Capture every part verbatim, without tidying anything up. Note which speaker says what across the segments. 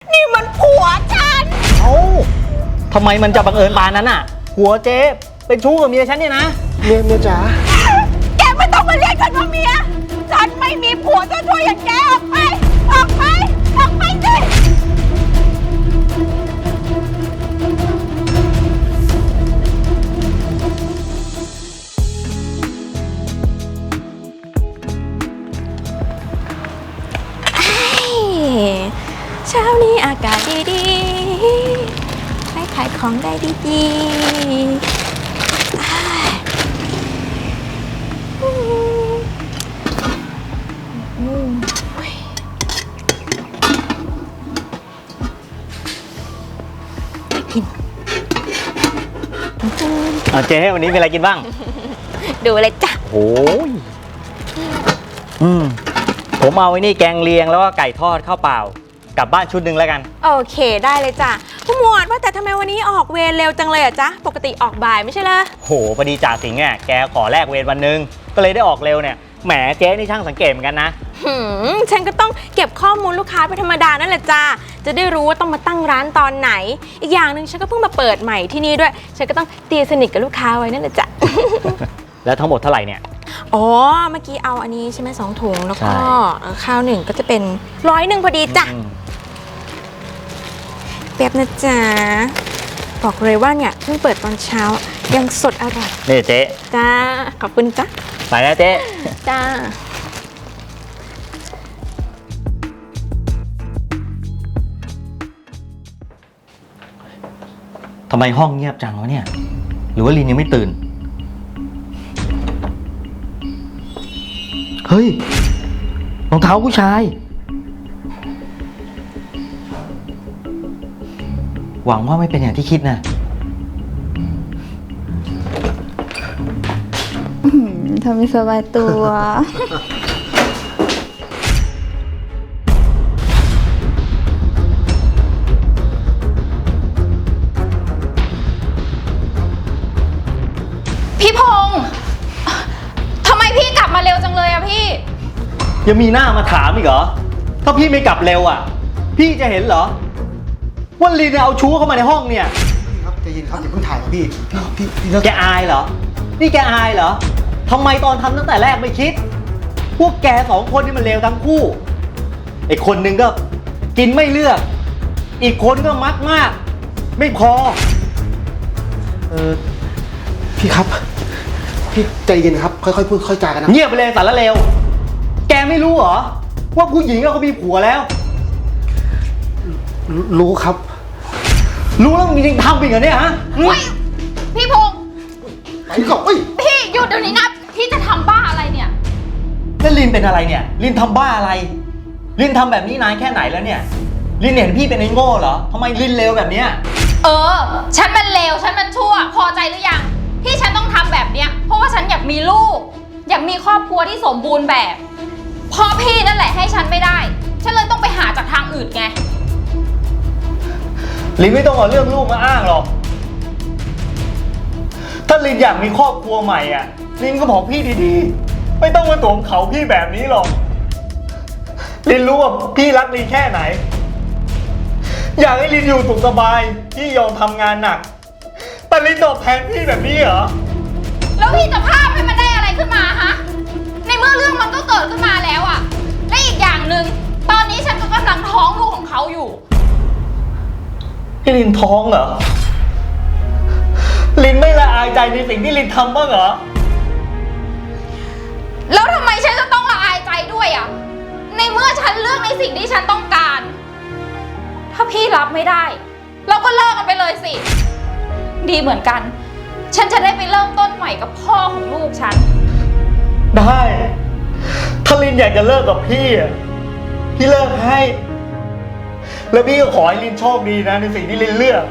Speaker 1: นี่มันผัวฉัน
Speaker 2: เอ้าทำไมมันจะบังเอิญปานนั้นอ่ะผัวเจ๊เป็นชู้กับเมียฉันเนี่ยนะ
Speaker 3: เมียเมียจ๋า
Speaker 1: แกไม่ต้องมาเรียกฉันว่าเมียฉันไม่มีผัวจะช่วยอย่างแกออกไปออกไปออกไปสิเช้านี้อากาศดีๆให้ขายของได้ดีๆ
Speaker 2: เอาเจ๊วันนี้มีอะไรกินบ้าง
Speaker 1: ดูเลยจ้ะ
Speaker 2: โอ้ยอืมผมเอาไอ้นี่แกงเลียงแล้วก็ไก่ทอดข้าวเปล่ากลับบ้านชุดหนึ่งแล้วกัน
Speaker 1: โอเคได้เลยจ้ะผู้หมวดว่าแต่ทำไมวันนี้ออกเวรเร็วจังเลยอ่ะจ๊ะปกติออกบ่ายไม่ใช่เหรอ
Speaker 2: โหพอดีจ่าสิงห์อ่ะแกขอแลกเวรวันนึงก็เลยได้ออกเร็วเนี่ยแหมเจ๊นี่ช่างสังเกตเหมือนกันนะ
Speaker 1: หืมฉันก็ต้องเก็บข้อมูลลูกค้าเป็นธรรมดานั่นแหละจ้าจะได้รู้ว่าต้องมาตั้งร้านตอนไหนอีกอย่างหนึ่งฉันก็เพิ่งมาเปิดใหม่ที่นี่ด้วยฉันก็ต้องตีสนิทกับลูกค้าไว้นั่นแหละจ้ะ
Speaker 2: แล้วทั้งหมดเท่าไหร่เนี่ย
Speaker 1: อ๋อเมื่อกี้เอาอันนี้ใช่ไหมสองถุงแล้วก็ข้าวหนึ่งก็จะเป็นร้อยหนึ่งพอดีจ้ะแบบนะจ๊ะบอกเลยว่าเนี่ยเพิ่งเปิดตอนเช้ายังสดอร่อย
Speaker 2: นี่เจ๊
Speaker 1: จ้าขอบคุณจ้ะ
Speaker 2: ไปแล้วเจ๊
Speaker 1: จ้า
Speaker 2: ทำไมห้องเงียบจังวะเนี่ยหรือว่าลินยังไม่ตื่นเฮ้ยรองเท้าผู้ชายหวังว่าไม่เป็นอย่างที่คิดนะ
Speaker 4: ทำให้สบายตัว
Speaker 5: พี่พงษ์ทำไมพี่กลับมาเร็วจังเลยอะพี่
Speaker 2: ยังมีหน้ามาถามอีกเหรอถ้าพี่ไม่กลับเร็วอะพี่จะเห็นเหรอว่าลีนเอาชู้เข้ามาในห้องเนี่ย
Speaker 3: พี่ครับใจเย็นครับอย่าเพิ่งถ่ายครับพี่พี่พี่
Speaker 2: แกอายเหรอนี่แกอายเหรอทำไมตอนทำตั้งแต่แรกไม่คิดพวกแกสองคนนี่มันเลวทั้งคู่ไอ้คนหนึ่งก็กินไม่เลือกอีกคนก็มักมากไม่พอ
Speaker 3: เออพี่ครับพี่ใจเย็นครับค่อยๆพูดค่อยจากันนะ
Speaker 2: เงียบไปเลยสารเลวแกไม่รู้เหรอว่าผู้หญิงเขามีผัวแล้ว
Speaker 3: รู้ครับ
Speaker 2: รู้แล้วมึงจริงทำอีกเหรอเนี่ยฮะ
Speaker 5: พี่พงษ์
Speaker 3: พี่ก็
Speaker 5: พี่หยุดเดี๋ยวนี้นะพี่จะทำบ้าอะไรเนี่ย
Speaker 2: แล้วลินเป็นอะไรเนี่ยลินทำบ้าอะไรลินทำแบบนี้นานแค่ไหนแล้วเนี่ยลินเห็นพี่เป็นไอ้โง่เหรอทำไมลินเลวแบบเนี้ย
Speaker 5: เออฉันมันเลวฉันมันชั่วพอใจหรือยังที่ฉันต้องทำแบบเนี้ยเพราะว่าฉันอยากมีลูกอยากมีครอบครัวที่สมบูรณ์แบบพอพี่นั่นแหละให้ฉันไม่ได้ฉันเลยต้องไปหาจากทางอื่นไง
Speaker 2: ลินไม่ต้องเอาเรื่องลูกมาอ้างหรอกถ้าลินอยากมีครอบครัวใหม่อ่ะลินก็บอกพี่ดีๆไม่ต้องมาตวงเขาพี่แบบนี้หรอกลินรู้ว่าพี่รักลินแค่ไหนอยากให้ลินอยู่สุขสบายพี่ยอมทำงานหนักแต่ลินตอบแทนพี่แบบนี้เหรอ
Speaker 5: แล้วพี่จะพาให้มันได้อะไรขึ้นมาฮะในเมื่อเรื่องมันก็เกิดขึ้นมาแล้วอะและอีกอย่างหนึ่งตอนนี้ฉันก็กำลังท้องลูกของเขาอยู่
Speaker 2: พี่ลินท้องเหรอลินไม่ละอายใจในสิ่งที่ลินทำบ้างเหรอ
Speaker 5: แล้วทำไมฉันจะต้องละอายใจด้วยอะในเมื่อฉันเลือกในสิ่งที่ฉันต้องการถ้าพี่รับไม่ได้เราก็เลิกกันไปเลยสิดีเหมือนกันฉันจะได้ไปเริ่มต้นใหม่กับพ่อของลูกฉัน
Speaker 2: ได้ถ้าลินอยากจะเลิกกับพี่อ่ะพี่เลิกให้แล้วพี่ก็ขอให้ลินโชคดีนะในสิ่งที่ลินเลือก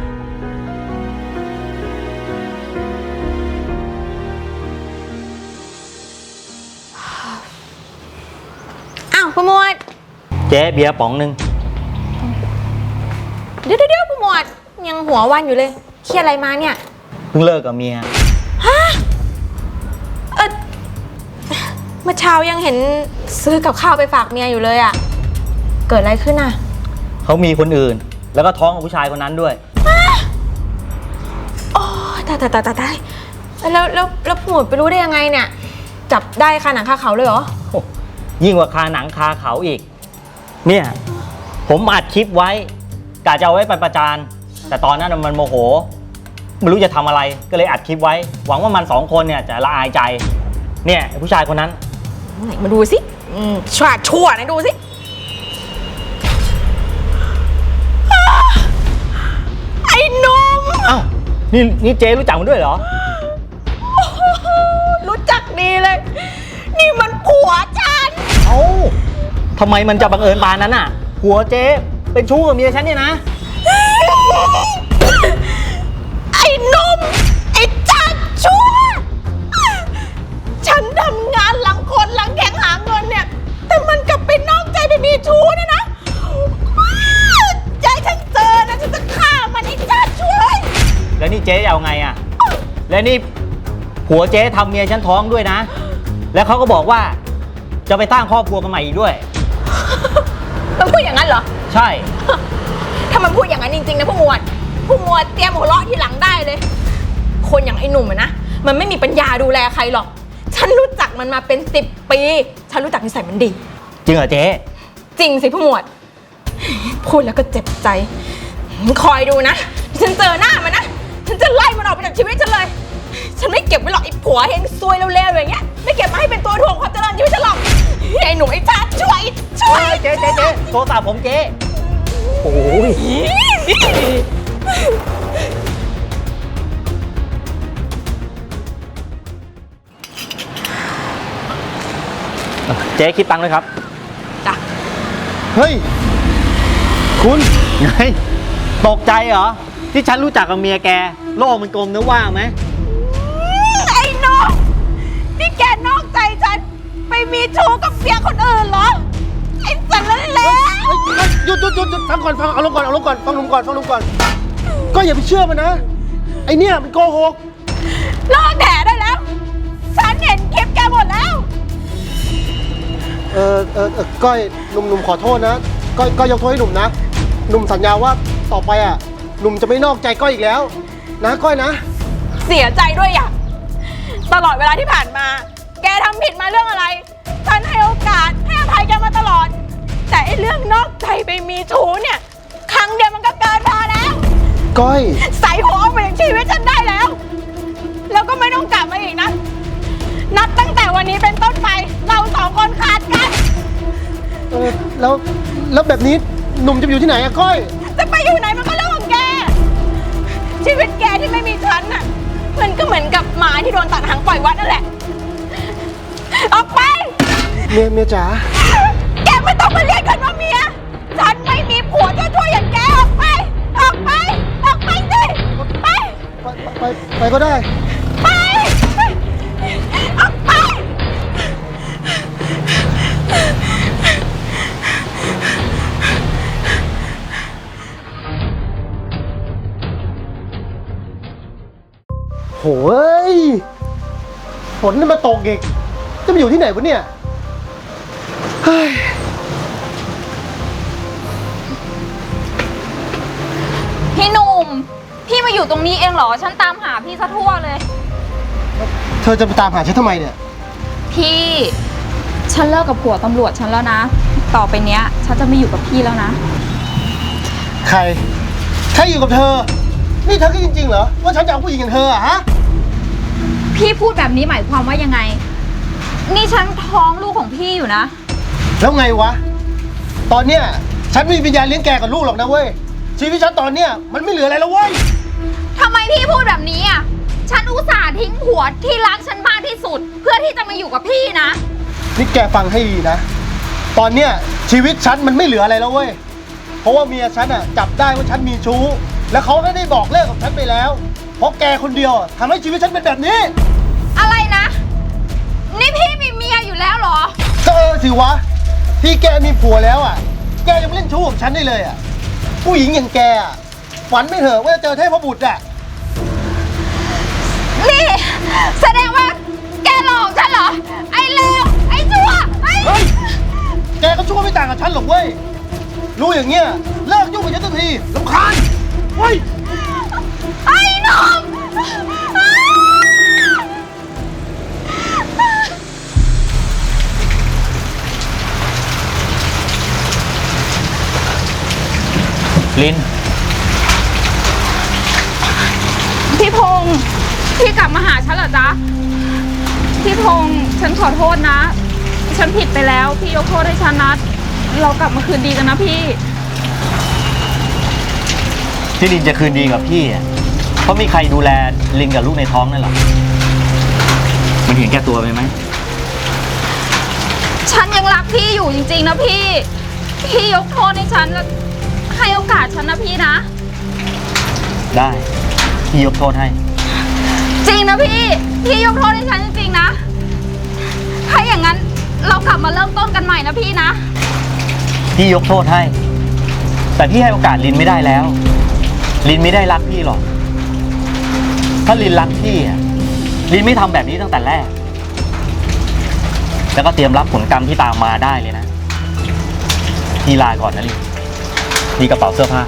Speaker 1: อ้าวผู้หมวด
Speaker 2: เจ๊เบียร์ป๋องนึง
Speaker 1: เดี๋ยวเดี๋ยวผู้หมวดยังหัววันอยู่เลยเครียดอะไรมาเนี่ย
Speaker 2: เพิ่งเลิกกับเมีย
Speaker 1: ฮะเออเมื่อเช้ายังเห็นซื้อกับข้าวไปฝากเมียอยู่เลยอ่ะเกิดอะไรขึ้นอ่ะ
Speaker 2: เข
Speaker 6: เขามีคนอื่น แล้วก็ท้องกับผู้ชายคนนั้นด้วย
Speaker 1: โอ้ตายตายตายตายตายแล้วแล้วแล้วผู้หมวดไปรู้ได้ยังไงเนี่ย จับได้คาหนังคาเขาเลยเหรอ
Speaker 6: โอ้ยิ่งกว่าคาหนังคาเขาอีก เนี่ยผมอัดคลิปไว้กะจะเอาไว้ไปประจานแต่ตอนนั้นมันโมโหไม่รู้จะทำอะไรก็เลยอัดคลิปไว้ หวังว่ามันสองคนเนี่ยจะละอายใจเนี่ยผู้ชายคนนั้น
Speaker 1: ไหนมาดูสิอืมชาชั่วไหนดูสิอ้าไอ้หนุ่ม
Speaker 6: อ้าวนี่นี่เจ๊รู้จักมันด้วยเหรอ
Speaker 1: รู้จักดีเลย นี่มันผัวฉัน
Speaker 6: เอ้าทำไมมันจะบังเอิญปานนั้นอ่ะหัวเจ๊เป็นชู้กับเมียฉันเนี่ยนะ
Speaker 1: ไอ้หนุ่มไอ้จัดชั่ว ฉันทำงานหลังคนหลังแข่งหาเงินเนี่ย แต่มันกลับไปนอกใจไปมีชู้เนี่ยนะใจฉันเจอนะฉันจะฆ่ามันไอ้จัดชั่วเลย
Speaker 6: แล้วนี่เจ๊จะเอาไงอ่ะแล้วนี่ผัวเจ๊ทำเมียฉันท้องด้วยนะ แล้วเขาก็บอกว่าจะไปสร้างครอบครัวกันใหม่อีกด้วย
Speaker 1: มันพูดอย่างนั้นเหรอ
Speaker 6: ใช่
Speaker 1: ถ้ามันพูดอย่างนั้นจริงๆนะผู้หมวดผู้หมวดเตรียมหัวเราะที่หลังได้เลย คนอย่างไอ้หนุ่มอะนะมันไม่มีปัญญาดูแลใครหรอก ฉันรู้จักมันมาเป็นสิบปี ฉันรู้จักนิสัยมันดี
Speaker 6: จริงเหรอเจ๊
Speaker 1: จริงสิผู้หมวด พูดแล้วก็เจ็บใจ คอยดูนะฉันเจอหน้ามันนะฉันจะไล่มันออกไปจากชีวิตฉันเลย ฉันไม่เก็บไว้หรอกไอ้ผัวเฮงซวยเร็วๆอย่างเงี้ยไม่เก็บมาให้เป็นตัวถ่วงความเจริญชีวิตฉันหรอกไอ้หนุ่มไอ้ชาติช่วยช่วย
Speaker 6: เจ๊เจ๊เจ๊โทรศัพท์ผมเจ๊โอ้ยเจ๊คิดตังค์เลยครับ
Speaker 1: จ้ะ
Speaker 3: เฮ้ย คุณ
Speaker 6: ไงตกใจเหรอ ที่ฉันรู้จักกับเมียแก โลกมันกลมนะว่าไหม
Speaker 1: ไอ้น้องนี่แกนอกใจฉันไปมีชู้กับเมียคนอื่นเหรอไอ้สันนั่นแหละ
Speaker 3: หยุดหยุดหยุดหยุดฟังก่อนฟังเอาลงก่อนเอาลงก่อนฟังลุงก่อนฟังลุงก่อน ก็อย่าไปเชื่อมันนะ ไอเนี่ยมันโกหก
Speaker 1: เลิกแถได้แล้ว ฉันเห็นคลิปแกหมดแล้ว
Speaker 3: เออเออเออก้อยหนุ่มหนุ่มขอโทษนะก้อยก้อยยกโทษให้หนุ่มนะหนุ่มสัญญาว่าต่อไปอ่ะหนุ่มจะไม่นอกใจก้อยอีกแล้ว นะก้อยนะ
Speaker 1: เสียใจด้วยอ่ะตลอดเวลาที่ผ่านมา แกทำผิดมาเรื่องอะไร ฉันให้โอกาสให้อภัยแกมาตลอด แต่ไอ้เรื่องนอกใจไปมีชู้เนี่ย ครั้งเดียวมันก็เกินพอแล้ว
Speaker 3: ก้อย
Speaker 1: ใส่หัวออกไปจากชีวิตฉันได้แล้ว แล้วก็ไม่ต้องกลับมาอีกนะ นับตั้งแต่วันนี้เป็นต้นไป เราสองคนขาดกัน
Speaker 3: เออแล้วแล้วแบบนี้หนุ่มจะไปอยู่ที่ไหนอะก้อย
Speaker 1: จะไปอยู่ไหนมันก็เรื่องของแก ชีวิตแกที่ไม่มีฉันน่ะ มันก็เหมือนกับหมาที่โดนตัดหางปล่อยวัดนั่นแหละ ออกไป
Speaker 3: เมียเมียจ๋า
Speaker 1: แกไม่ต้องมาเรียกกันว่าเมีย ฉันไม่มีผัวชั่วๆอย่างแกออกไป ออกไป ออกไปสิ ไป
Speaker 3: ไปไปไปก็ได้
Speaker 1: ไป ออกไป
Speaker 3: โหยฝนนี่มาตกอีกจะไปอยู่ที่ไหนวะเนี่ยเฮ้ย
Speaker 5: พี่หนุ่ม พี่มาอยู่ตรงนี้เองเหรอ ฉันตามหาพี่ซะทั่วเลย
Speaker 3: เธอจะไปตามหาฉันทำไมเนี่ย
Speaker 5: พี่ ฉันเลิกกับผัวตำรวจฉันแล้วนะ ต่อไปเนี้ย ฉันจะไม่อยู่กับพี่แล้วนะ
Speaker 3: ใคร ใครอยู่กับเธอ นี่เธอคิดจริงๆเหรอว่าฉันจะเอาผู้หญิงอย่างเธออะฮะ
Speaker 5: พี่พูดแบบนี้หมายความว่ายังไง นี่ฉันท้องลูกของพี่อยู่นะ
Speaker 3: แล้วไงวะ ตอนเนี้ยฉันไม่มีปัญญาเลี้ยงแกกับลูกหรอกนะเว้ย ชีวิตฉันตอนเนี้ยมันไม่เหลืออะไรแล้วเว้ย
Speaker 5: ทำไมพี่พูดแบบนี้อ่ะ ฉันอุตส่าห์ทิ้งผัวที่รักฉันมากที่สุด เพื่อที่จะมาอยู่กับพี่นะ
Speaker 3: นี่แกฟังให้ดีนะ ตอนเนี้ยชีวิตฉันมันไม่เหลืออะไรแล้วเว้ย เพราะว่าเมียฉันอ่ะจับได้ว่าฉันมีชู้ แล้วเขาก็ได้บอกเลิกกับฉันไปแล้ว เพราะแกคนเดียวอะทำให้ชีวิตฉันเป็นแบบนี้
Speaker 5: อะไรนะ นี่พี่มีเมียอยู่แล้วเหรอ
Speaker 3: ก็เออสิวะ ที่แกมีผัวแล้วอ่ะ แกยังไม่เล่นชู้กับฉันได้เลยอ่ะ ผู้หญิงอย่างแกอ่ะฝันไม่เถอะว่าจะเจอเทพบุตรอ่ะ
Speaker 5: นี่แสดงว่าแกหลอกฉันเหรอ ไอ้เลว ไอ้ชั่ว ไอ้
Speaker 3: เฮ้ย แกก็ชั่วไม่ต่างกับฉันหรอกเว้ยรู้อย่างเงี้ยเลิกยุ่งกับฉันสักทีรำคาญเฮ้ย
Speaker 5: ไอ้หนุ่ม
Speaker 6: ลิน
Speaker 5: พี่พงษ์พี่กลับมาหาฉันเหรอจ๊ะ พี่พงษ์ฉันขอโทษนะ ฉันผิดไปแล้ว พี่ยกโทษให้ฉันนะ เรากลับมาคืนดีกันนะพี่
Speaker 6: ที่ลินจะคืนดีกับพี่อะเพราะมีใครดูแลลินกับลูกในท้องนั่นหรอ มันเห็นแก่ตัวไปไหม
Speaker 5: ฉันยังรักพี่อยู่จริงๆนะพี่ พี่ยกโทษให้ฉันและให้โอกาสฉันนะพี่นะ
Speaker 6: ได้ พี่ยกโทษให้
Speaker 5: จริงนะพี่ พี่ยกโทษให้ฉันจริงๆนะ ถ้าอย่างนั้นเรากลับมาเริ่มต้นกันใหม่นะพี่นะ
Speaker 6: พี่ยกโทษให้ แต่พี่ให้โอกาสลินไม่ได้แล้ว ลินไม่ได้รักพี่หรอก ถ้าลินรักพี่อะลินไม่ทำแบบนี้ตั้งแต่แรก แล้วก็เตรียมรับผลกรรมที่ตามมาได้เลยนะ พี่ลาก่อนนะลินมีกระเป๋าเสื้อผ้า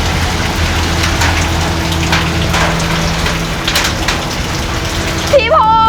Speaker 5: พี่พง